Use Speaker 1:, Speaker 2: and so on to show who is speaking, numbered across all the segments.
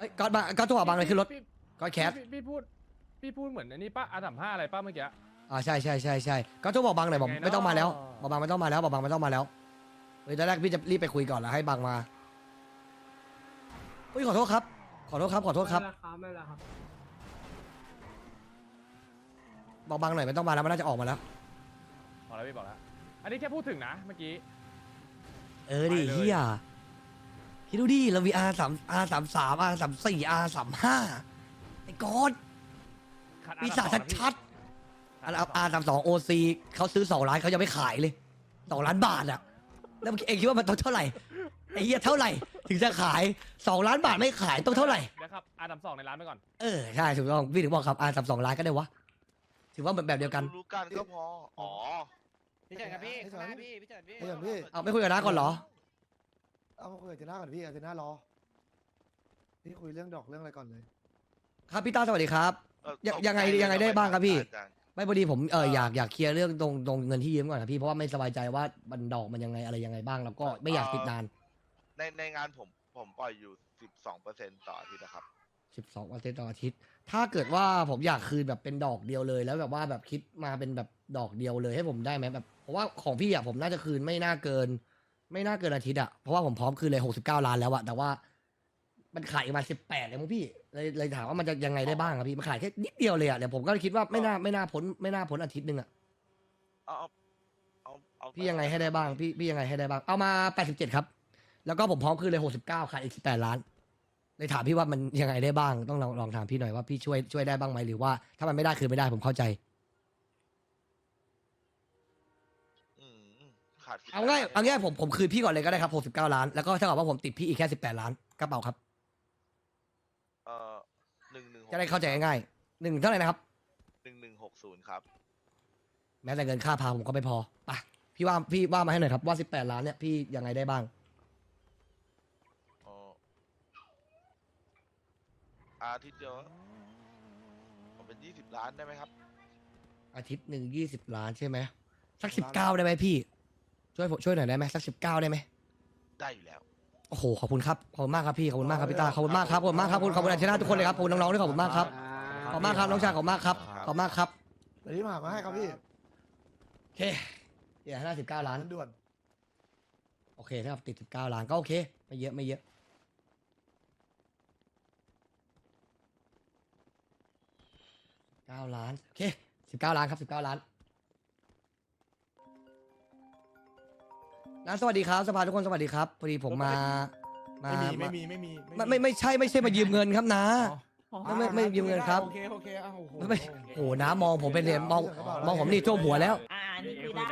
Speaker 1: เอ้ยก๊อตก๊อตโทรหาบังเลยขึ้นรถ
Speaker 2: พี่
Speaker 1: ก๊อตแคท
Speaker 2: พี่พูดเหมือนอันนี้ป้าR35อะไรป้าเมื่อกี้
Speaker 1: ใช่ก๊อตโทรบอกบังหน่อยบอก
Speaker 2: ยังไงเนอะ
Speaker 1: ไม่ต้องมาแล้วบอกบังไม่ต้องมาแล้วบอกบังไม่ต้องมาแล้วเฮ้ยตอนแรกพี่จะรีบไปคุยก่อนแล้วให้บังมาเฮ้ยขอโทษครับขอโทษครับ
Speaker 3: ไม่เป็นไรครับ
Speaker 1: บอกบังหน่อยไม่ต้องมาแล้วมันน่าจะออกมาแล้ว
Speaker 2: บอกแล้วพี่บอกแล้วอันนี้แค่พูดถึงนะเมื่อกี้
Speaker 1: ดิ
Speaker 2: ไปเลย
Speaker 1: เฮียคิดดูดิเรามี R33 R34 R35ไอ้ก๊อต
Speaker 2: ขัด
Speaker 1: ปีศาจชัดๆอันR32 OC เขาซื้อ2 ล้านเขายังไม่ขายเลย2 ล้านบาทอะแล้วเองคิดว่ามันต้องเท่าไหร่ไอ้เหี้ยเท่าไหร่ถึงจะขาย2 ล้านบาทไม่ขายต้องเท่าไหร่
Speaker 2: เดี๋ยวครับR32ในร้านไปก่อน
Speaker 1: ใช่ถูกต้องพี่ถึงบอกครับR32 ล้านก็ได้วะถือว่าแบบเดียวกัน
Speaker 4: รู้กันก็พอ อ๋อ
Speaker 5: พี่เฉินครับพี่ข้างหน้าพี่เฉินพี่
Speaker 6: ไม่อย่างพี่
Speaker 1: เอาไม่คุยกับน้าก่อนเหรอ
Speaker 6: เอามาคุยกับเจน่าก่อนพี่เอาเจน่ารอพี่คุยเรื่องดอกเรื่องอะไรก่อนเลย
Speaker 1: ครับพี่ต้าสวัสดีครับ ยังไงได้บ้างครับพี่ ไม่พอดีผมอยากเคลียร์เรื่องตรงเงินที่ยืมก่อนครับพี่เพราะว่าไม่สบายใจว่าบันดอกมันยังไงอะไรยังไงบ้างแล้วก็ไม่อยากติดนาน
Speaker 4: ในงานผมปล่อยอยู่ 12%ต่ออาทิตย์นะครับ
Speaker 1: 12%ต่ออาทิตย์ถ้าเกิดว่าผมอยากคืนแบบเป็นดอกเดียวเลย แล้วแบบว่าแบบคิดมาเป็นแบบดอกเดียวเลยให้ผมได้ไหมแบบเพราะว่าของพี่ผมน่าจะคืนไม่น่าเกินอาทิตย์เพราะว่าผมพร้อมคืนเลย69 ล้านแล้วแต่ว่ามันขายมา18เลยมั้งพี่เลยถามว่ามันจะยังไงได้บ้างครับพี่มันขายแค่นิดเดียวเลยเดี๋ยวผมก็คิดว่าไม่น่าพ้นอาทิตย์นึง
Speaker 4: เอา
Speaker 1: พี่ยังไงให้ได้บ้างพี่ยังไงให้ได้บ้างเอามา87ครับแล้วก็ผมพร้อมคืนเลย69ขายอีก18 ล้านเลยถามพี่ว่ามันยังไงได้บ้างต้องลองถามพี่หน่อยว่าพี่ช่วยได้บ้างไหมหรือว่าถ้ามันไม่ได้คือไม่ได้ผมเข้าใจ
Speaker 4: ขาด
Speaker 1: เอาง่ายผมคืนพี่ก่อนเลยก็ได้ครับ69 ล้านแล้วก็เท่ากับว่าผมติดพี่อีกแค่18 ล้านกระเป๋าครับ
Speaker 4: 1160
Speaker 1: จะได้เข้าใจง่ายๆ1เท่าไหร่นะครับ
Speaker 4: 1160 ครับ
Speaker 1: แม้แต่เงินค่าพาผมก็ไม่พอไปพี่ว่ามาให้หน่อยครับว่า18 ล้านเนี่ยพี่ยังไงได้บ้าง
Speaker 4: อาทิตย์เดียวผมเป็น20 ล้านได้ไหมครับ
Speaker 1: อาทิตย์หนึ่ง20 ล้านใช่ไหมสัก19ได้ไหมพี่ช่วยหน่อยได้ไหมสัก19ได้ไหม
Speaker 4: ได้อยู่แล้ว
Speaker 1: โอ้โหขอบคุณครับขอบคุณมากครับพี่ขอบคุณมากครับพี่ตาขอบคุณมากครับขอบคุณมากครับขอบคุณอาชนะทุกคนเลยครับขอบคุณน้องๆด้วยขอบคุณมากครับขอบคุณมากครับน้องชายขอบคุณมากครับขอบคุณมากครับ
Speaker 6: เดี๋ยวนี้มาหามาให้ครับพี่
Speaker 1: โอเคเดี๋ยว59 ล้าน
Speaker 6: ด่วน
Speaker 1: โอเคถ้าติด19 ล้านก็โอเคไม่เยอะ9 ล้านโอเค19 ล้านครับ19 ล้านนะสวัสดีครับสภาทุกคนสวัสดีครับพอดีผมมาไม่ใช่มายืมเงินครับนะไม่ยืมเงินครับ
Speaker 5: โอเคอ้าวโอ้โห
Speaker 1: ไม่โอ้นะมองผมเป็นเหรียญมองผมนี่ท่วมหัวแล้ว
Speaker 5: นี่คุยได้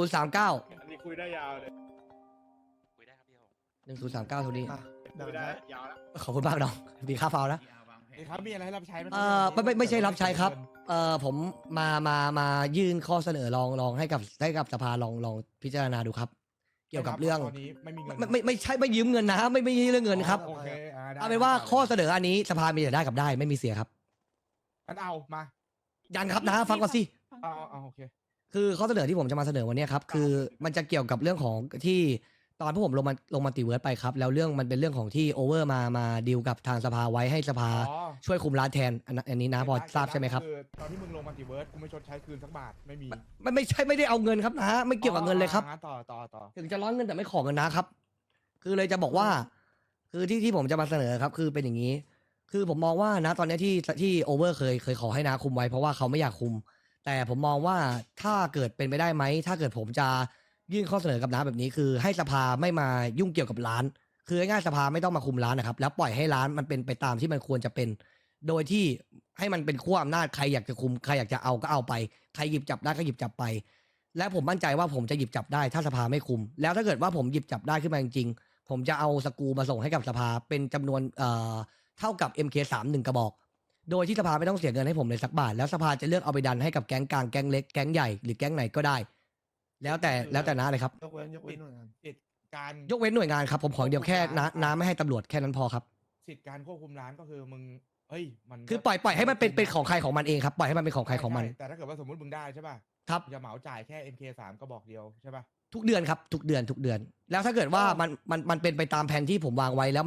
Speaker 1: 1039
Speaker 2: อันนี้คุยได้ยาวเลย
Speaker 5: คุยได้ครับพี่ผม
Speaker 1: 1039ทุนี้
Speaker 6: อ่ะเดี๋ยว
Speaker 2: คุยได้
Speaker 6: นะ
Speaker 2: ยาวแล้ว
Speaker 1: ขอบคุณมากน้องมีค่าฟาวนะ
Speaker 5: ครับมีอะไรให้รับใช้ไหม
Speaker 1: ไม่ใช่รับใช้ครับผมมายื่นข้อเสนอลองให้กับสภาลองพิจารณาดูครับ เกี่ยวกับเรื่อง
Speaker 5: ตอนนี้ไม่มีเงิน
Speaker 1: ไม่ใช่ไม่ยืมเงินนะไม่ใช่เรื่องเงินครับ
Speaker 5: โอเคได้
Speaker 1: เอาเป็นว่าข้อเสนออันนี้สภามีแต่ได้กับได้ไม่มีเสียครับ
Speaker 5: งั้นเอามา
Speaker 1: ยันครับนะฟังก่อนสิ
Speaker 5: เอาโอเค
Speaker 1: คือข้อเสนอที่ผมจะมาเสนอวันนี้ครับคือมันจะเกี่ยวกับเรื่องของที่ตอนพวกผมลงมาติเวิร์ดไปครับแล้วเรื่องมันเป็นเรื่องของที่โอเวอร์มาดีลกับทางสภาไว้ให้สภาช่วยคุมร้านแทนอันนี้นะพอทราบใช่ไหมครับ
Speaker 5: ตอนที่มึงลงมัลติเวิร์สกูไม่ชดใช้คืนสักบาทไม่มี
Speaker 1: ไม่ใช่ไม่ได้เอาเงินครับนะไม่เกี่ยวกับเงินเลยครับ
Speaker 5: ต่อ
Speaker 1: ถึงจะร้อนเงินแต่ไม่ขอเงินนะครับ คือเลยจะบอกว่า คือที่ผมจะมาเสนอครับ คือเป็นอย่างนี้ คือผมมองว่านะตอนนี้ที่โอเวอร์เคยขอให้นาคุมไว้เพราะว่าเขาไม่อยากคุม แต่ผมมองว่าถ้าเกิดเป็นไปได้ไหมถ้าเกิดผมจะยื่นข้อเสนอกับน้าแบบนี้คือให้สภาไม่มายุ่งเกี่ยวกับร้าน คือง่ายๆสภาไม่ต้องมาคุมร้านนะครับ แล้วปล่อยให้ร้านมันเป็นไปตามที่มันควรจะเป็น โดยที่ให้มันเป็นขั้วอำนาจใครอยากจะคุมใครอยากจะเอาก็เอาไปใครหยิบจับได้ก็หยิบจับไป และผมมั่นใจว่าผมจะหยิบจับได้ถ้าสภาไม่คุม แล้วถ้าเกิดว่าผมหยิบจับได้ขึ้นมาจริงๆผมจะเอาสกรูมาส่งให้กับสภาเป็นจำนวนเท่ากับ MK3 1 กระบอก โดยที่สภาไม่ต้องเสียเงินให้ผมเลยสักบาทแล้วสภาจะเลือกเอาไปดันให้กับแก๊งกลางแก๊งเล็กแก๊งใหญ่หรือแก๊งไหนก็ได้ แล้วแต่น้าเลยครับ
Speaker 6: ยกเว้นหน่วยงาน
Speaker 5: สิทธิ์การ
Speaker 1: ยกเว้นหน่วยงานครับผมขออย่างเดียวแค่น้าไม่ให้ตำรวจแค่นั้นพอครับ
Speaker 5: สิทธิ์การควบคุมร้านก็คือมึงเฮ้ยมัน
Speaker 1: คือปล่อยให้มันเป็นของใครของมันเองครับปล่อยให้มันเป็นของใครของมัน
Speaker 5: แต่ถ้าเกิดว่าสมมติมึงได้ใช่ป่ะ
Speaker 1: ครับ
Speaker 5: มึงจะเหมาจ่ายแค่ MK3 ก็บอกเดียวใช่ป่ะ
Speaker 1: ทุกเดือนครับทุกเดือน แล้วถ้าเกิดว่ามันเป็นไปตามแผนที่ผมวางไว้แล้วมัน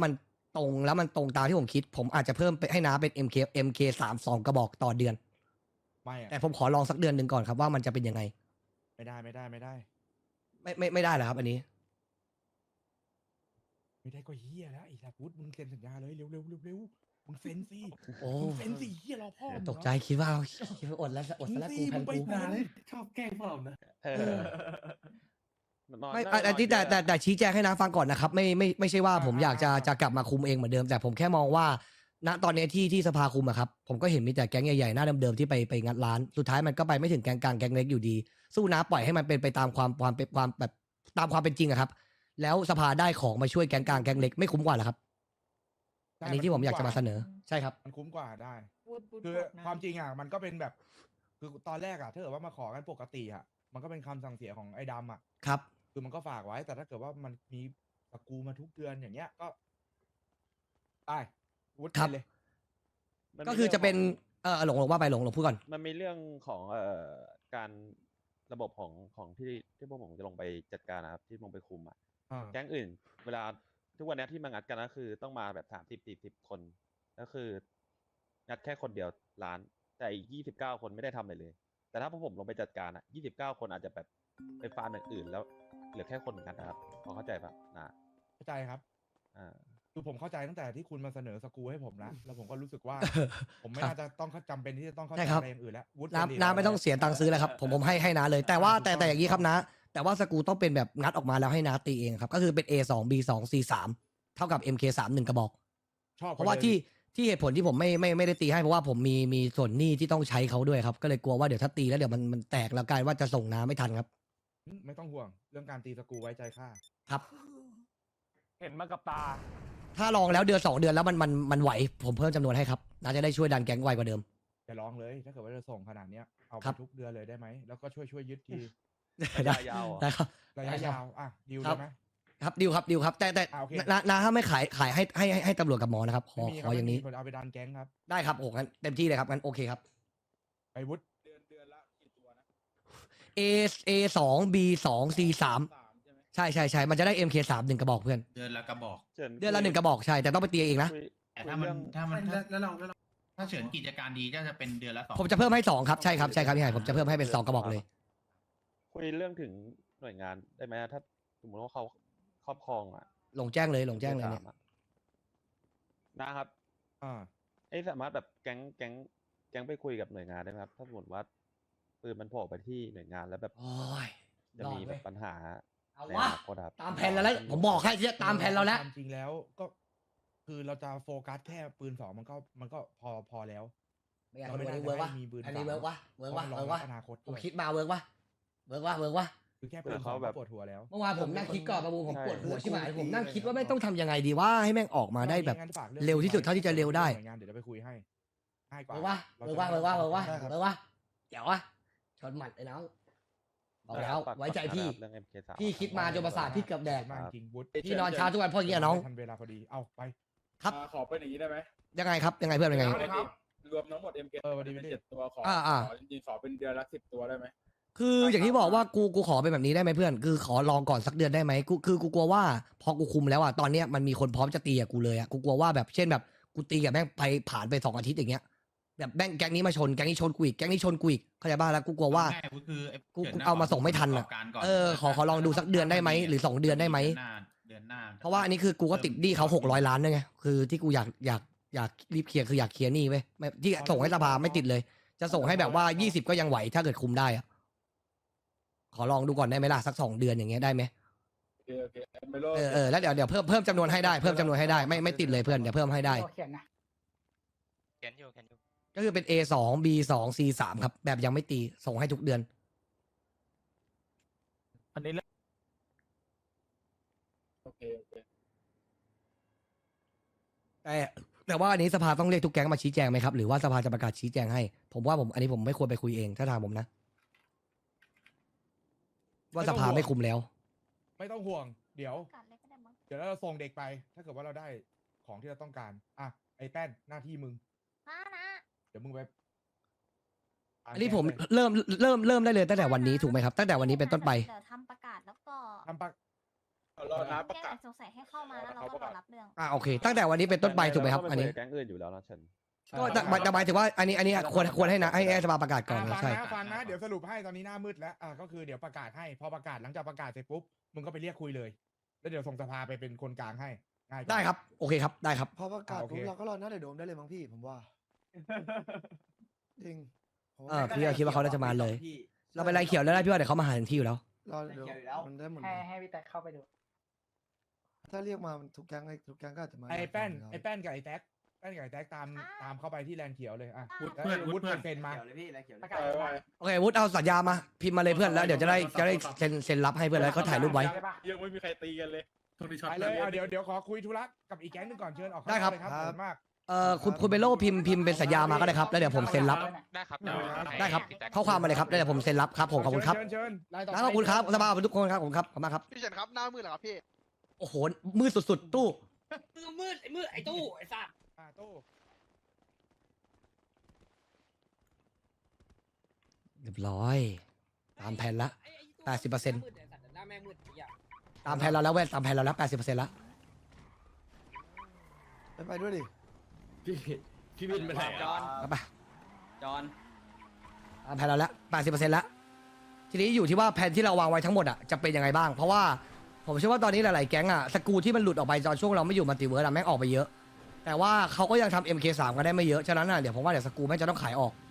Speaker 1: ตรงแล้วมันตรงตามที่ผมคิด ผมอาจจะเพิ่มไปให้น้าเป็น MK 3 2 กระบอกต่อเดือน
Speaker 5: ไม่อะ
Speaker 1: แต่ผมขอลองสักเดือนหนึ่งก่อนครับว่ามันจะเป็นยังไง
Speaker 5: ไม่ได้ไม่ได้ไม่ได้
Speaker 1: ไม่ได้เหรอครับ อันนี้
Speaker 5: ไม่ได้ก็เฮียแล้วไอ้สัตว์วุฒิมึงเซ็นสัญญาเลยเร็วเร็วเร็วเร็วมึงเซ็นสิ
Speaker 1: โอ้
Speaker 5: มึงเซ็นสิเฮียรอพ่อมึงเหรอ
Speaker 1: ตกใจคิดว่าอดแล้วอดซะแล้วกูแพนกู
Speaker 6: นาเลยชอบแกล้งพวกเรานะ
Speaker 1: ไม่อันที่แต่ชี้แจงให้น้าฟังก่อนนะครับไม่ใช่ว่าผมอยากจะกลับมาคุมเองเหมือนเดิม แต่ผมแค่มองว่า ณตอนนี้ที่สภาคุมอะครับผมก็เห็นมีแต่แก๊งใหญ่ๆหน้าเดิมๆที่ไปงัดร้านสุดท้ายมันก็ไปไม่ถึงแก๊งกลางแก๊งเล็กอยู่ดี สู้น้าปล่อยให้มันเป็นไปตามความแบบตามความเป็นจริงอะครับ แล้วสภาได้ของมาช่วยแก๊งกลางแก๊งเล็กไม่คุ้มกว่าเหรอครับ
Speaker 5: ได้
Speaker 1: อันนี้ที่ผมอยากจะมาเสนอใช่ครับ
Speaker 5: มันคุ้มกว่าได้
Speaker 3: พูด
Speaker 5: คือ
Speaker 3: บอกนะ
Speaker 5: ความจริงอ่ะมันก็เป็นแบบ คือตอนแรกอ่ะถ้าเกิดว่ามาขอกันปกติอ่ะมันก็เป็นคำสั่งเสียของไอ้ดำอ่ะ
Speaker 1: ครับ
Speaker 5: คือมันก็ฝากไว้ แต่ถ้าเกิดว่ามันมีสกรูมาทุกเดือนอย่างเงี้ยก็ได้วุฒิ
Speaker 1: ครับ
Speaker 5: ไปเลย
Speaker 7: มันมี
Speaker 1: ก็คือจะเป็น
Speaker 7: รื่อง
Speaker 1: หลงว่าไปหลงพูดก่อน
Speaker 7: ของมันมีเรื่องของการระบบของที่พวกผมจะลงไปจัดการนะครับที่ลงไปคุมอ่ะ
Speaker 5: อ่า
Speaker 7: แก๊งอื่น เวลาทุกวันเนี้ยที่มางัดกันก็คือต้องมาแบบ30-40 คนก็คืองัดแค่คนเดียวล้าน แต่อีก29 คนไม่ได้ทำอะไรเลย แต่ถ้าพวกผมลงไปจัดการอ่ะ29 คนอาจจะแบบไปฟาร์มอย่างอื่นแล้วเหลือแค่คนเหมือนกันนะครับพอเข้าใจปะนะ
Speaker 5: เข้าใจครับ
Speaker 7: อ่า
Speaker 5: คือผมเข้าใจตั้งแต่ที่คุณมาเสนอสกรูให้ผมแล้วแล้วผมก็รู้สึกว่า ผมไม่
Speaker 1: ครับ
Speaker 5: น่าจะต้องจำเป็นที่จะต้องเข้า
Speaker 1: ใช่
Speaker 5: ใจ
Speaker 1: ครับ
Speaker 5: อะไรอย่างอื่นแล้ววุฒิ
Speaker 1: น้ำ
Speaker 5: เสรี
Speaker 1: น้ำไม่ต้องเสียตังค์ซื้อแล้วครับผมให้น้าเลย แต่ว่าแต่อย่างนี้ครับนะแต่ว่าสกรูต้องเป็นแบบงัดออกมาแล้วให้น้าตีเองครับ ก็คือเป็น A2 B2 C3 เท่ากับ MK3 1 กระบอก
Speaker 5: ชอบ
Speaker 1: เพราะว่าที่เหตุผลที่ผมไม่ได้ตีให้เพราะว่าผมมีส่วนหนี้ที่ต้องใช้เขาด้วยครับ ก็เลยกลัวว่าเดี๋ยวถ้าตีแล้วเดี๋ยวมันแตกแล้วกลายว่าจะส่งน้าไม่ทันครับ
Speaker 5: ไม่ต้องห่วง เรื่องการตีสกรูไว้ใจข้า
Speaker 1: ครับ
Speaker 2: เห็นมากับตา
Speaker 1: ถ้าลองแล้วเดือน2 เดือนแล้วมันไหวผมเพิ่มจำนวนให้ครับน้าจะได้ช่วยดันแก๊งไวกว่าเดิม
Speaker 5: อย่าร้องเลย ถ้าเกิดว่าจะส่งขนาดเนี้ยเอาไป
Speaker 1: ครับ
Speaker 5: ทุกเดือนเลยได้ไหมแล้วก็ช่วยยึดที
Speaker 1: ได้
Speaker 7: ยาวๆเหรอ
Speaker 1: ได้ครับ
Speaker 5: ระยะยาวอ่ะดิว
Speaker 1: ครั
Speaker 5: ได้
Speaker 1: บ
Speaker 5: ไหม
Speaker 1: ครับดิวครับแต่
Speaker 5: โอเค
Speaker 1: น้าถ้าไม่ขายให้ตำรวจกับหมอนะครับขอ
Speaker 5: ไม่มี
Speaker 1: ข
Speaker 5: ครั
Speaker 1: อบ อย่างนี้
Speaker 5: ผมเอาไปดันแก๊งครับ
Speaker 1: ได้ครับโอ้งั้นเต็มที่เลยครับงั้นโอเคครับ
Speaker 5: ไปวุฒิ
Speaker 1: A 2 B 2 C 3ใช่มันจะได้ MK 3 1 กระบอกเพื่อน
Speaker 8: เดือนละกระบอก
Speaker 7: เชิญ
Speaker 1: เดือนละ1 กระบอกใช่แต่ต้องไปตีเองนะ
Speaker 7: คุย
Speaker 8: แต่
Speaker 7: คุย
Speaker 8: ถ้ามัน
Speaker 7: เรื่อง
Speaker 8: ถ้าเฉินกิจการดีก็จะเป็นเดือนละ2
Speaker 1: ผมจะเพิ่มให้2ครับใช่ครับพี่ไห่ผมจะเพิ่มให้เป็น2 กระบอกเลย
Speaker 7: คุยเรื่องถึงหน่วยงานได้ไหมถ้าสมมติว่าเขาครอบครองอ่ะ
Speaker 1: หลงแจ้งเลยเนี่ย
Speaker 7: สามอะนะครับ
Speaker 5: อ่า
Speaker 7: สามารถแบบแก๊งไปคุยกับหน่วยงานได้ไหมครับ ถ้าสมมติว่าปืนมันโผล่ไปที่หน่วยงานแล้วแบบ
Speaker 1: โอ้ย
Speaker 7: จะมีแบบปัญหา
Speaker 1: เอา
Speaker 7: ใน
Speaker 1: วะ
Speaker 7: อนาคตครับ
Speaker 1: ตามแผนเราแล้วผมบอกให้ที่ตามแผนเราแล้ว
Speaker 5: ความจริงแล้วก็ คือเราจะโฟกัสแค่ปืน2มันก็พอแล้ว
Speaker 1: ไม่อยาก
Speaker 5: เราไม่
Speaker 1: อัน
Speaker 5: ได้
Speaker 1: นี้เวิร์กวะ
Speaker 5: ให้มีปืน
Speaker 1: อันนี้
Speaker 5: สาม
Speaker 1: เวิร์กวะ
Speaker 5: เพราะมันรองรับอนาคต
Speaker 1: ผม
Speaker 5: ด้วย
Speaker 1: คิดมาเวิร์กวะเวิร์กวะ
Speaker 5: คือแค่ปืน
Speaker 7: เขา
Speaker 5: 2
Speaker 7: แบ
Speaker 5: ก็
Speaker 7: บ
Speaker 5: ปวดหัวแล้ว
Speaker 1: เมื่อวานผมนั่งคิดก่อนประมูผม
Speaker 7: ใช่
Speaker 1: ปวดหัวใช่ไหมผมนั่งคิดว่าไม่งต้องทำยังไงดีว่าให้แม่งออกมาได้แบบ
Speaker 5: งั้นฝากอง
Speaker 1: เร็วที่สุดเท่าที่จะเร็วได้
Speaker 5: หน่วยงานเดี๋ยวเราไปคุยให้ง่ายกว่า
Speaker 1: เวิร์กวะ
Speaker 5: เรา
Speaker 1: เวิร์
Speaker 5: จะ
Speaker 1: กวะ
Speaker 5: ไม่
Speaker 1: เวิร์กวะ
Speaker 5: ต้อง
Speaker 1: เวิร์กวะเวิร์กวะเดี๋ยววะชนหมัดเลยน้องบอกแล้ว
Speaker 7: ฝาก
Speaker 1: ไว้ใจพี่
Speaker 7: เรื่อง MK3
Speaker 1: พี่คิดมาจนประสาทพี่เกือบแดก
Speaker 5: มากจริงวุฒิ
Speaker 1: พี่นอนเช้าทุกวันเพราะอย่างเงี้ยน้อง
Speaker 5: ทันเวลาพอดีเอาไป
Speaker 1: ครับ
Speaker 9: ขอเป็นอย่างนี้ได้ไหม
Speaker 1: ยังไงครับยังไงเพื่อนยังไง
Speaker 9: รวมทั้งหมด MK
Speaker 5: วันนี้
Speaker 9: เป็น
Speaker 5: ไม่ได้
Speaker 9: 7 ตัวขอ
Speaker 1: อ่า
Speaker 9: ขอจริงๆขอเป็นเดือนละ10 ตัวได้ไหม
Speaker 1: คืออย่างที่บอกว่ากูขอเป็นแบบนี้ได้ไหมเพื่อนคือขอลองก่อนสักเดือนได้ไหมกูกลัวว่าพอกูคุมแล้วอ่ะตอนเนี้ยมันมีคนพร้อมจะตีกับกูเลยอ่ะกูกลัวว่าแบบเช่นแบบกูตีกับแม่งไปผ่านไป2 อาทิตย์อย่างเงี้ยแบบแม่งแก๊งนี้มาชนแก๊งนี้ชนกูอีกแก๊งนี้ชนกูอีกเข้าใจป่ะแล้วกูกลัวว่า
Speaker 8: ง่ายๆก็คือไอ้
Speaker 1: กู
Speaker 8: ฉินน่ะ
Speaker 1: เอามาส่งไม่ทัน
Speaker 8: ป
Speaker 1: อ่ะ
Speaker 8: ระกอบการก่น
Speaker 1: ขอลองดูสักเดือนได้ไหมหรือ2 เดือนได้ไหม
Speaker 8: เดือนหน้า
Speaker 1: เพราะว่าอันนี้คือกูก็ติดหนี้เขา600 ล้านด้วยไงคือที่กูอยากรีบเคลียร์คืออยากเคลียร์หนี้เว้ยไม่ที่ส่งให้สภาไม่ติดเลย จะส่งให้แบบว่า20ก็ยังไหวถ้าเกิดคุมได้อะขอลองดูก่อนได้ไหมล่ะสัก2 เดือนอย่างเงี้ยได้ไหม
Speaker 9: โอเคไม่โล
Speaker 1: แล้วเดี๋ยวเพิ่มจำนวนให้ได้เพิ่มจำนวนให้ได้ไม่ติดเลยเพื่อนเดี๋ยวเพิ่มให้ได้
Speaker 3: เขียนนะ
Speaker 1: ก็คือเป็น A2 B2 C3 ครับแบบยังไม่ตีส่งให้ทุกเดือน
Speaker 9: อันนี้โอเค
Speaker 1: แต่ว่าอันนี้สภาต้องเรียกทุกแก๊งมาชี้แจงไหมครับหรือว่าสภาจะประกาศชี้แจงให้ผมว่าอันนี้ผมไม่ควรไปคุยเองถ้าถามผมนะ ว่าสภาไม่คุมแล้ว
Speaker 5: ไม่ต้องห่วง เดี๋ยว
Speaker 3: กัดเลยก็ได้มั้ง
Speaker 5: เดี๋ยวเราส่งเด็กไป ถ้าเกิดว่าเราได้ของที่เราต้องการ อ่ะ ไอ้แป้นหน้าที่มึง
Speaker 3: นะ
Speaker 5: เดี๋ยวมึงไป
Speaker 1: อันนี้ผมเริ่มได้เลยตั้งแต่วันนี้ถูกไหมครับตั้งแต่วันนี้เป็นต้นไป
Speaker 3: เดี๋ยวทำประกาศแล้วก็
Speaker 5: ทำปะ
Speaker 9: รอน้าประ
Speaker 3: เนี่ย
Speaker 9: กาศ
Speaker 3: สงสัยให้เข้ามาแล้วเราก็รอรับเรื่อง
Speaker 1: โอเค ตั้งแต่วันนี้เป็นต้นไปถูกไหมครับ
Speaker 7: เา
Speaker 1: อันนี้
Speaker 7: คุยกับแก๊งอื่นอยู่แล้วนะเฉิน
Speaker 1: ก็จะหมายถึงว่าอันนี้ควรให้นะให้สภาประกาศก่อนนะ
Speaker 5: ฟัง
Speaker 1: ใช่
Speaker 5: นะฟังนะเดี๋ยวสรุปให้ตอนนี้หน้ามืดแล้วก็คือเดี๋ยวประกาศให้พอประกาศหลังจากประกาศเสร็จปุ๊บมึงก็ไปเรียกคุยเลย แล้วเดี๋ยวส่งสภาไปเป็นคนกลางให้ง่ายกว่า
Speaker 1: ได้ครับโอเคครับได้ครับ
Speaker 6: พอประกาศ
Speaker 5: โอเค
Speaker 6: ปุ๊บเราก็รอหน้าเดี๋ยวโดมได้เลยมั้งพี่ผมว่าจริงผมว่า
Speaker 1: พี่ก็คิดว่าเขาน่าจะมาเลย เราไปไล่เขียวแล้วได้พี่ว่าเดี๋ยวเขามาหาถึงที่อยู่แล้ว
Speaker 6: รอเดี๋ยวมันได้หมดเลย
Speaker 10: ให้พี่แท็กเข้าไปดู
Speaker 6: ถ้าเรียกมาทุกแก๊งทุกแก๊งก็อาจจะมา
Speaker 5: ไอ้แป้น
Speaker 6: อยู่ล้ว
Speaker 5: ไอ้แป้นกับไอ้แท็กแป้นกับไอ้แท็กตามเข้าไปที่แลนด์เขียวเลยอ่ะ
Speaker 3: วุฒิ
Speaker 5: แล้ว
Speaker 8: เพื่อน
Speaker 5: วุฒิ
Speaker 8: เพื่อน
Speaker 5: เซ็นมา
Speaker 10: ประกาศ
Speaker 9: ไป
Speaker 1: โอเควุฒิเอาสัญญามาพิมพ์มาเลยเพื่อนแล้วเดี๋ยวจะได้เซ็นรับให้เพื่อนแล้วก็ถ่ายรูปไว้
Speaker 9: ยังไม่มีใครตีกันเลย
Speaker 8: โทษทีช็อต
Speaker 5: ไปเลยเอาเดี๋ยวขอคุยธุระกับอีกแก๊งหนึงก่อนเชิญออกข้าง
Speaker 1: ได้ครับ
Speaker 5: นอกเลยครับขอบคุณมาก
Speaker 1: คุณเบโลพิมพ์เป็นสัญญามาก็ได้ครับแล้วเดี๋ยวผมเซ็นรับ
Speaker 4: ได้ครับ
Speaker 1: ได้ครับข้อความมาเลยครับแล้วเดี๋ยวผมเซ็นรับครับผมขอบคุณครับ
Speaker 5: เชิญรายต่อไป
Speaker 1: ขอบคุณครับสภาทุกคนครับผมครับขอบคุณมากครับ
Speaker 4: พี่เฉินครับหน้ามืดเหรอครับพี่
Speaker 1: โอ้โหมืดสุดๆตู้
Speaker 10: มืดไอ้ตู้ไอ้สัตว์
Speaker 5: ตู้
Speaker 1: เรียบร้อยตามแผนละ 80%
Speaker 10: หน้าแม่มืดอีกอย่าง
Speaker 1: ตามแผนเราแล้วเว้ยตามแผนเราแล้ว 80%แล้ว
Speaker 6: ไปด้วยดิ
Speaker 9: พี่วินไปไหน
Speaker 10: จอน
Speaker 1: เอาไป
Speaker 10: จอน
Speaker 1: ตามแผนเราแล้ว 80%แล้วทีนี้อยู่ที่ว่าแผนที่เราวางไว้ทั้งหมดอ่ะจะเป็นยังไงบ้าง เพราะว่าผมเชื่อว่าตอนนี้หลายๆแก๊งอ่ะสกรูที่มันหลุดออกไปตอนช่วงเราไม่อยู่มัลติเวิร์สอ่ะแม่งออกไปเยอะ แต่ว่าเขาก็ยังทำ MK3 กันได้ไม่เยอะฉะนั้นอ่ะเดี๋ยวผมว่าเดี๋ยวสกรูแม่งจะต้องขายออก